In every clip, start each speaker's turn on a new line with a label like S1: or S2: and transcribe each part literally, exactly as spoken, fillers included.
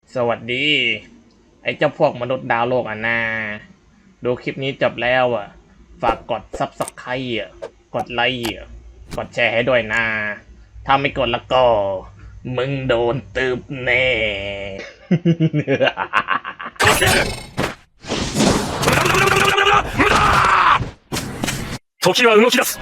S1: สวัสดี ไอ้เจ้าพวกมนุษย์ดาวโลกอ่ะนาดูคลิปนี้จบแล้วอ่ะ ฝากกดซับสไครต์อ่ะ กดไลค์อ่ะ กดแชร์ให้ด้วยนะ ถ้าไม่กดแล้วก็ มึงโดนตืบแน่
S2: 時は動き出す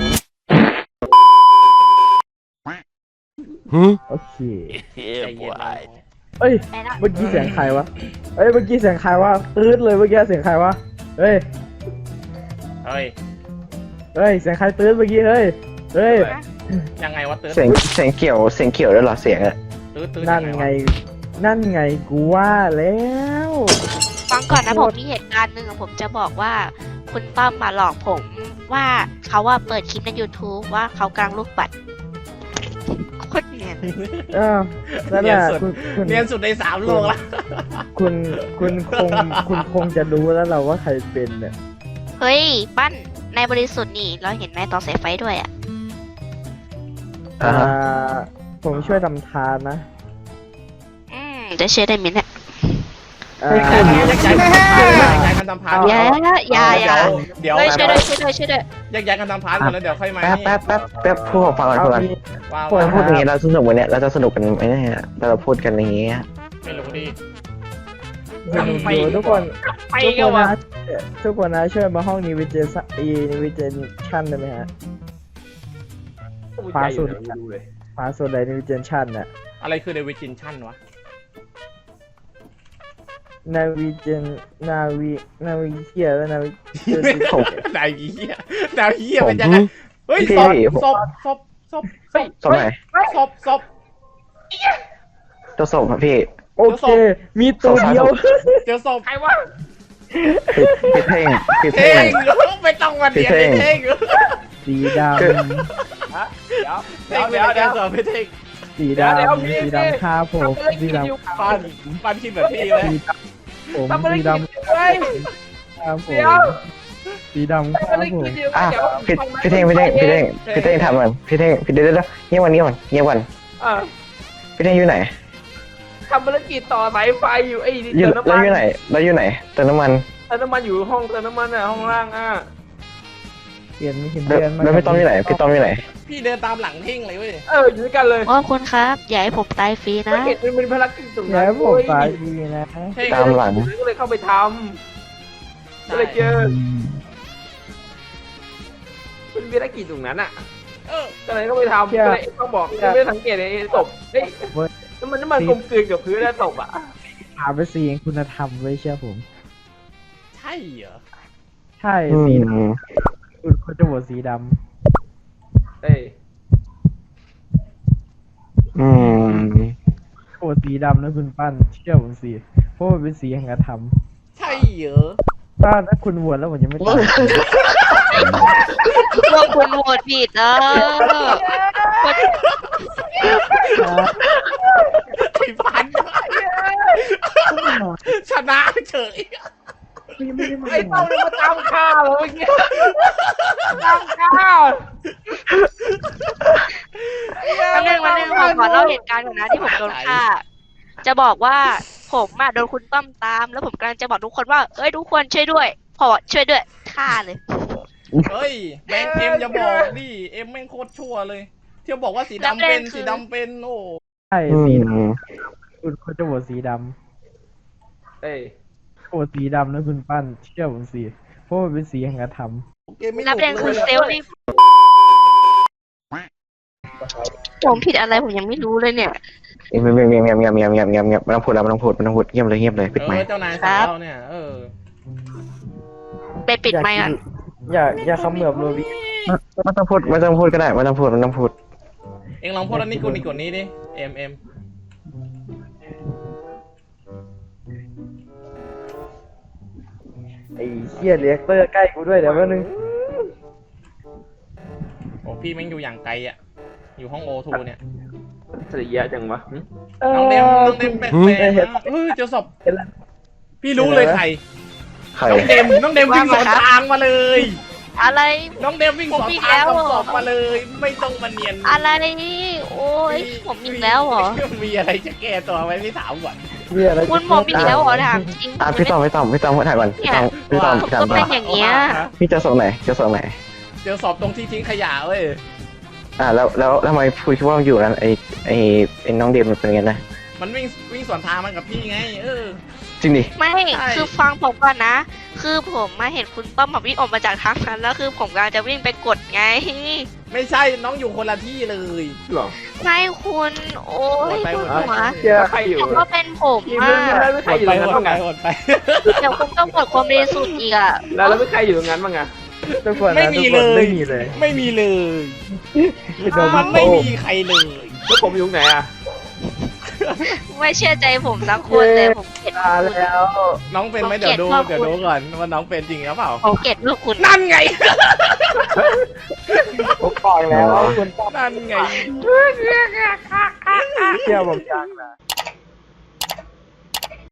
S3: โอเค
S1: ใจเย็นนะ
S3: เอ้ย เมื่อกี้เสียงใครวะ เอ้ย เมื่อกี้เสียงใครวะตืดเลยเมื่อกี้เสียงใครวะ เฮ้ย
S1: เฮ้ย
S3: เฮ้ย เสียงใครตืดเมื่อกี้ เฮ้ย เฮ้ย
S1: ยังไงวะตืด
S4: เสียงเสียงเกี่ยวเสียงเกี่ยวด้วยเหรอเสียงอะ
S1: ตืดตืด
S3: นั่น
S1: ยัง
S3: ไง
S1: วะ
S3: นั่นไงกูว่าแล้ว
S5: ฟังก่อนนะผมมีเหตุการณ์หนึ่งอะผมจะบอกว่าคุณต้อมมาหลอกผมว่าเขาว่าเปิดคลิปใน YouTube ว่าเขากลางลูกปัดโคตรเนียน
S3: เออนั่นแหละคุณคุณ
S1: เรียนสุดในสามโลกละ
S3: คุณคุณคงคุณคงจะรู้แล้วเราว่าใครเป็นเนี่ย
S5: เฮ้ย ปั้นในบริสุทธิ์นี่เราเห็นไหมต่อสายไฟด้วยอ่ะ
S4: อ่า
S3: อ่าผมช่วยทำทานนะ
S5: อืมจะเชื่อได้ไหมเนี่ย
S3: อ่า
S1: แยกย้ายกันทำพานแยกย้ายกันทำพาน
S5: อย่าอย่าอย่า
S1: เดี๋ยว
S5: เฮ้ย
S1: เดี๋
S5: ช่วย
S1: ยว
S5: ด้วยช่วยด้วยช่วยด้วย
S1: แยกย้ายกันทำพานก่อนแล้วเดี๋ยวค่อยมา
S4: แป๊บ
S1: นี่
S4: แป๊บแป๊บแป๊บพูดผมฟังก่อน
S3: เอา
S4: พูดก่อน
S3: มี
S1: ว่า
S3: พูด
S4: ถ้า
S1: ว่า
S4: พูดอย่างนี้เราสนุกวันเนี้ยเราจะสนุกกันไหมเนี่ยเราพูดกันอย่างงี้
S1: ไม่รู้ดิ
S3: สนุกอยู่ทุกคน
S1: ไป
S3: ทุก
S1: กั
S3: คน น
S1: วะ
S3: นะทุกคนนะช่วยมาห้องนิวิเจสอีนิวิเจชั่นได้ไหมฮะฟ้าสุดฟ้าสุดเลยนิวิเจชั่นน่ะ
S1: อะไรคือเดวิจินชั่นวะ
S3: นาวิเจนนาวินาวิเฮียแล้วนาวิ
S4: ผม
S1: ดาวเหี้ยดาวเหี้ยเป็นยังไงเฮ้ยศพศพศพศพศพ
S4: สมัย
S1: ศพศพ
S4: ตัวศพอะพี่
S3: โอเค มีตัวเดียว
S1: เจอศพใครวะ
S4: พี่พี่เท่งพี่
S1: เท่
S4: เท่ง
S1: งไม่ต้องมาเดียนไม่เท่ง
S3: สีด
S4: คือ
S1: เท่งเดี๋ยวเดี๋ยวศพไม่เท่ง
S3: ำสีดำสีดำฆ่าผมสีดำ
S1: ปานปานคิดแบบพี่เลย
S3: สีดำผมสีดำฆ่าผมสีดำฆ่าผม
S4: อ่ะพี่พี่เท่งพี่เท่งพี่เท่งพี่เท่งทำมันพี่เท่งพี่เดี๋ยวเดี๋ยวเงียบวันเงียบวันเงียบวัน
S6: อ่า
S4: พี่เท่งอยู่ไหน
S6: ทำภารกิจต่อสายไฟอยู่ไอ้
S4: อยู่
S6: เติมน้ำ
S4: แล้ว
S6: มัน
S4: อยู่ไหนแล้วอยู่ไหนเติมน้ำมัน
S6: เติมน้ำมันอยู่ห้องเติมน้ำมันอ่ะห้องล่างอ่ะ
S3: เปลี่ยนไม่เห็น
S4: แล้ว
S3: เดือน
S4: แล้วพี่ต้อมอยู่ไหนพี่ต้อมอยู่ไหน
S1: พี่เดินตามหลังเท่งเลยเว้ย
S6: เอออยู่ด้วยกันเลย
S5: โอ้คุณครับอย่าให้ผมตายฟรีนะ
S6: ภารกิจมันเป็นภารกิจตรง
S3: แล้
S6: นั้น
S3: วผมตายดีนะ
S1: เท่ง
S4: ตามหลัง
S6: ก็เลยเข้าไปทำก็เลยเจอเป็นภารกิจตรงนั้นอ่ะ
S1: เออ
S6: ก็เลยเข้าไปทำก็เลยต้องบอกไม่ได้สังเกตไอ้ศพเฮ้ยน้ำมันน้ำมันกลมกลืนกับพื้นแล้วศพอ่ะ
S3: หาไปสีคุณธรรมไว้เชื่อผม
S1: ใช่เหรอ
S3: ใช่
S4: อื
S3: สีด
S4: ม
S3: ำคุณเขาจะโหวตสีด
S6: เอ้ย
S4: อืม
S3: ำโหวตสีดำนะคุณปั้นเชื่อผมสิเพราะมันเป็นสีแห่งธรรม
S1: ใช่เหรอ
S3: ถ้าถ้าคุณโหวตแล้วผมยังไม่ตาย
S5: พวกคุณโหวตผิดเออ
S1: ไอ้พันชนะเฉย
S3: ยังไม่ได้มา
S6: ไอ้เต้าเนี่ยมาตามฆ่าเหรอเมื่อกี้ตามฆ่า
S5: วันหนึ่งวันหนึ่งผมขอเล่าเหตุการณ์ก่อนนะที่ผมโดนฆ่า จะบอกว่าผมอะโดนคุณต้อมตาม แล้วผมกำลังจะบอกทุกคนว่า เอ้ยทุกคนช่วยด้วย พอช่วยด้วยฆ่าเลย
S1: เฮ้ยแมงเอ็มอย่าบอกดิเอ็มแม่งโคตรชั่วเลย เที่ยวบอกว่าสีดำเป็นสีดำเป็นโอ้
S3: ใช่
S4: อื
S3: สี
S4: ม
S3: คุณเขาจะโหวตสีด
S6: เอ้ย
S3: ำโหวตสีดำนะคุณปั้นเชื่อผมสิเพราะมันเป็นสีแห่งธรรม
S1: เกมไม่
S5: แล้วประเด็น
S1: หนุก
S5: คือ
S1: เลย
S5: เซลล์นี่ผมผิดอะไรผมยังไม่รู้เลยเนี่ย
S4: เงียบเงียบเงียบเงียบเงียบเงียบเงียบเงียบเงียบไม่ต้องพูดแล้วไม่ต้องพูดไม่ต้องพูดเงียบเลยเงียบเลยปิด
S1: เอ
S4: ไม
S1: อ
S4: ค์
S1: เจ้านายสั่งเราเนี่ยเออ
S5: ไปปิดไมค์ก่อน
S3: อย่าอย่าเขมือบโรบิ
S4: ไม่ต้องพูดไม่ต้องพูดก็ได้ไม่ต้องพูดไม่ต้องพูด
S1: เอ็งลองพูดอันนี้กูนี่กดนี้ดิเอ็มเอ็ม
S3: ไอ้เชี่ยเรียกเตอร์ใกล้กูด้วยเดี๋ยวแป๊บนึง
S1: โอ้พี่แม่งอยู่อย่างไกลอ่ะอยู่ห้องโอทูเนี่ย
S6: เสียจังวะ
S1: น้องเดมน้องเดมแปลกๆนะเฮ้ยเจอศพ
S3: เห็นแล้ว
S1: พี่รู้เลยใคร
S4: ใคร
S1: น้องเดมน้องเดมวิ่งสวนทางมาเลย
S5: อะไร
S1: น้องเดมวิ่งสวนทางกับศพมาเลย ไม่ต้องมาเนียน
S5: อะไรนี่โอ้ยผมอีกแล้วเหรอ
S1: มีอะไรจะแก้ตัวไว้ไม่ถามก่อน
S3: เฮียอะไร
S5: คุณผมอีกแล้วเหรอถามจริง
S4: อ่ะพี่ต้อมพี่ต้อมพี่ต้อมถ่ายก่อนพี่ต้อมพี่ต้อม
S5: ผม
S4: พี่ต้อ
S5: ก็
S4: ม
S5: เป็นอย่างเงี้ย
S4: พี่เจะส่งไหนเจะส่งไหน
S1: เจอศพตรงที่ทิ้งขยะเว้ย
S4: อ่ะแล้วแล้วทำไมพูดว่ามันอยู่นั้นไอไอไอน้องเดมมันเป็นไงนะ
S1: มันวิ่งวิ่งสวนทางมันกับพี่ไง เออ
S4: จริงดิ
S5: ไม่
S1: ใช่
S5: คือฟังผมก่อนนะ คือผมมาเห็นคุณต้อมแบบวิ่งออกมาจากทางนั้นแล้วคือผมกำลังจะวิ่งไปกดไง
S1: ไม่ใช่น้องอยู่คนละที่เลย
S6: หรอ
S5: ไม่คุณโอ้ย
S1: ไป
S5: ป
S1: หม
S5: ว
S1: ด
S5: ด
S1: ไป
S5: หัว
S3: เฮีย
S6: ใครอยู่
S5: แต่ก็เป็นผม
S6: พี่
S5: อ่ะ
S6: มึงแล้วไม่ใครอยู่
S1: ไป
S6: ตรง
S1: หม
S6: นั้น
S1: ด
S6: บ้าง
S1: ไป
S6: อะ
S1: หมดไป
S5: เดี๋ยวคุณต้องกดความบริสุทธิ์อีกอ่ะ
S6: แล้วแล้วไม่ใครอยู่ตรงนั้นบ้างอะ
S3: ทุกคน
S1: ไม่
S3: นะ
S1: มี
S3: ทุกคน
S1: เลย
S3: ไม่มีเลย
S1: ไม่มีเลย
S3: พี่โดน
S1: มันไม่มีใครเลย
S6: แล้วผมอยู่ตรงไหนอะ
S5: ไม่เชื่อใจผมสักคนเลยผมเกลียด
S3: ตาแล้ว
S1: น้องเป็นไหมเดี๋ยวดู
S5: ผมเกลียด
S1: เดี๋ยวดูก่อนว่าน้องเป็นจริงหรือเปล่า
S5: ผมเกลียดลูกคุณ
S1: นั่นไง
S3: ผมบอกแล้วว่าคุณต้อง
S1: นั่นไง
S3: เชื่อผมจังนะ